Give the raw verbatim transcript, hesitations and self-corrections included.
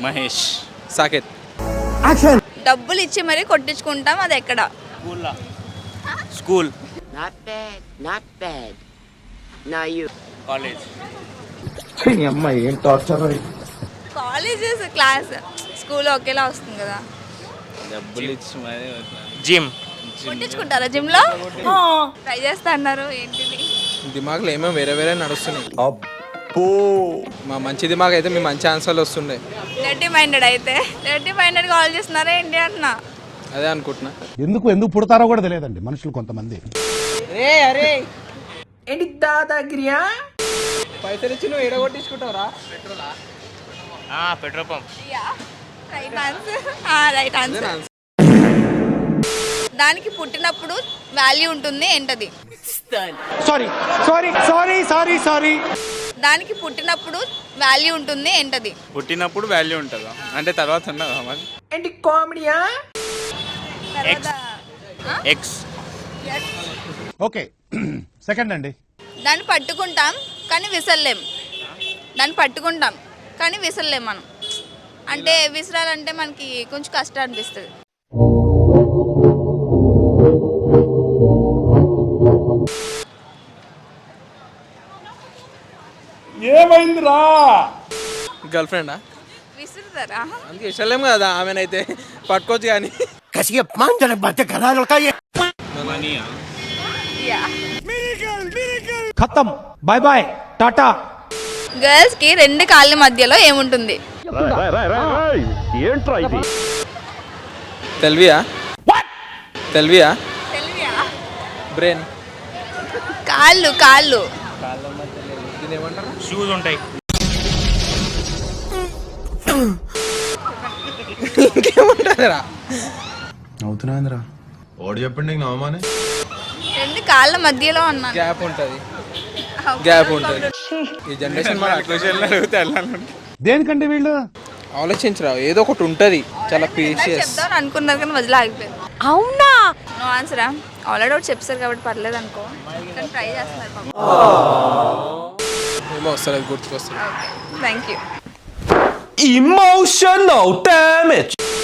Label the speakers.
Speaker 1: Mahesh.
Speaker 2: Saketh.
Speaker 3: Action.
Speaker 4: డబ్బులు ఇచ్చి మరీ కొట్టించుకుంటాం, అది ఎక్కడ?
Speaker 1: School. School.
Speaker 5: Not bad, not bad. Now you.
Speaker 1: College.
Speaker 3: అమ్మాయి ఏం టార్చర్.
Speaker 4: కాలేజెస్ క్లాస్ స్కూల్ ఒకేలా వస్తుంది కదా.
Speaker 1: డబ్బులు ఇచ్చి మరి జిమ్.
Speaker 4: కొట్టించుకుంటారా జిమ్ లో? ట్రై చేస్తా అన్నారు, ఏంటిది?
Speaker 2: దిమాగ్లో ఏమో వేరే వేరే నడుస్తున్నాయి. అబ్బో, మా మంచి దిమాగ్ అయితే మీ మంచి ఆన్సర్లు వస్తుండే.
Speaker 4: డర్టీ మైండెడ్ అయితే డర్టీ మైండెడ్ కాల్ చేస్తున్నారా ఏంటి అన్న?
Speaker 2: అదే అనుకుంటున్నా.
Speaker 6: ఎందుకు ఎందుకు పుడతారో కూడా తెలియదండి మనుషులు కొంతమంది.
Speaker 3: ఏంటి దాదాగిరియా?
Speaker 2: పైసలు ఇచ్చి నువ్వు ఏడ కొట్టించుకుంటావురా?
Speaker 1: Petrol pump.
Speaker 4: Right answer. Right answer. దానికి పుట్టినప్పుడు వాల్యూ ఉంటుంది, ఏంటది?
Speaker 6: Sorry sorry sorry sorry sorry
Speaker 4: దానికి పుట్టినప్పుడు వాల్యూ ఉంటుంది, ఏంటది?
Speaker 1: పుట్టినప్పుడు వాల్యూ ఉంటుందా అంటే తర్వాత ఉండదా మరి?
Speaker 3: ఏంటి కామెడీయా?
Speaker 1: ఎక్స్.
Speaker 6: ఓకే సెకండ్ అండి.
Speaker 4: దాన్ని పట్టుకుంటాం కానీ విసరలేం. దాన్ని పట్టుకుంటాం కానీ విసరలేం మనం. అంటే విసరాలంటే మనకి కొంచెం కష్టం అనిపిస్తుంది.
Speaker 6: ఏమైందిరా?
Speaker 2: గర్ల్ ఫ్రెండా?
Speaker 4: విసురుతారా?
Speaker 2: అందుకే ఇష్టలేం కదా ఆమెనైతే పట్టుకోవచ్చు కానీ.
Speaker 6: ఖతం, బాయ్ బాయ్, టాటా.
Speaker 4: గర్ల్స్ కి రెండు కాళ్ళ మధ్యలో ఏముంటుంది?
Speaker 2: తెల్వియా? తెల్వియా? బ్రెయిన్.
Speaker 4: కాళ్ళు కాళ్ళు
Speaker 1: షూస్ ఉంటాయి.
Speaker 2: ఇంకేముంటారా?
Speaker 7: అవుతున్నాయిందిరా ఓడి చెప్పండి నీకు నవమానే.
Speaker 4: రెండు కాళ్ళ మధ్యలో అన్నాను.
Speaker 2: గ్యాప్ ఉంటుంది, గ్యాప్ ఉంటుంది. ఈ జనరేషన్ మన
Speaker 1: క్వశ్చన్లు అడిగితే వెళ్ళాలి.
Speaker 6: దేనికండి వీళ్ళు?
Speaker 2: ఆలోచించరా, ఏదో ఒకటి ఉంటుంది చాలా ప్రీషియస్.
Speaker 4: చెప్తాను అనుకున్నారు కానీ వదిలే ఆగిపోయింది. అవునా? నో ఆన్సరా? ఆల్రెడీ ఒకటి చెప్పారు కాబట్టి పర్లేదు అనుకో, కానీ ట్రై చేస్తున్నారు పాపం.
Speaker 2: ఏమో వస్తుంది, గుర్తుకొస్తుంది.
Speaker 4: Thank you.
Speaker 3: Emotional damage.